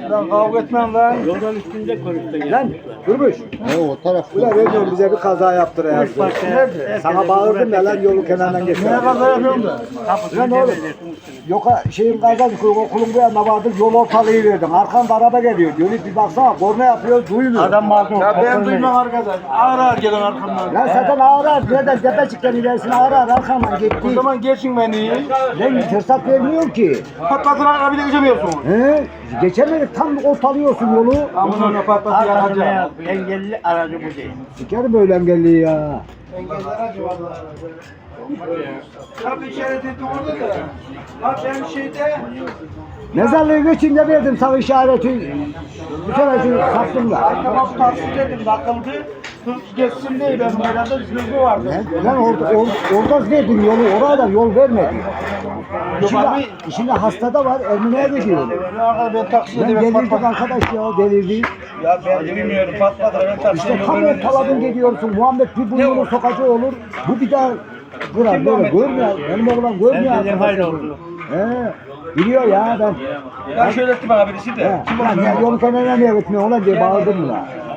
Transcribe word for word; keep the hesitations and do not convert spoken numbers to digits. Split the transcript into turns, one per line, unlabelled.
Lan kavga etmem lan.
Yoldan üstünde konuştun ya.
Lan durmuş.
Ne o taraf?
Ulan veriyorum bize bir kaza yaptırayım. Sana bağırdım ya lan yolu kenarından geçti.
Neye kaza yapıyorum da?
Lan oğlum. Yoka şeyin kazası okulun bu yanına vardık yol ortalığı verdim. Arkanda araba geliyor. Dönüp bir baksana korna yapıyor duymuyor.
Adam mazlum.
Ya ben duymam arkadaş. Ağır ağır gelen arkamdan.
Lan zaten ağır ağır. Nereden tepecikten ilerisine ağır ağır arkamdan gitti.
O zaman geçin beni.
Lan fırsat vermiyor ki.
Patlatın arka bir de geçemiyorsun.
He? Geçemedik tam ortalıyorsun yolu.
Amına patlatı yanacağım.
Engelli aracı bu değil.
Sikerim böyle engelliyi ya.
Engeller acı valla. Tabii işaret ettim orada da. Ha ben şeyde...
Mezarlığı geçince verdim sana işareti. Bir kere şunu sattım da.
Arkama taksi dedim takıldı. Hız geçsin diye ben herhalde hızlı vardı.
He? Lan orada, or, orada verdim yolu, oraya da yol vermedi. İçinde,
abi.
içinde hasta da var, Ermine'ye gidiyor.
Ben, ben taksi
Ben
dedim.
delirdik arkadaş ya, delirdik.
Ya ben bilmiyorum patladı. Ben taksiye
İşte tam ortaladın gidiyorsun, Muhammed bir burnunu sokacağı olur, bu bir daha kırar böyle, görmüyor, benim oğlan görmüyor.
Sen dedim hayır oldu.
He, biliyor ya ben.
Ya şöyle etti bana birisi de.
He, lan ya yolu kenarına niye gitmiyor ona diye bağırdım buna.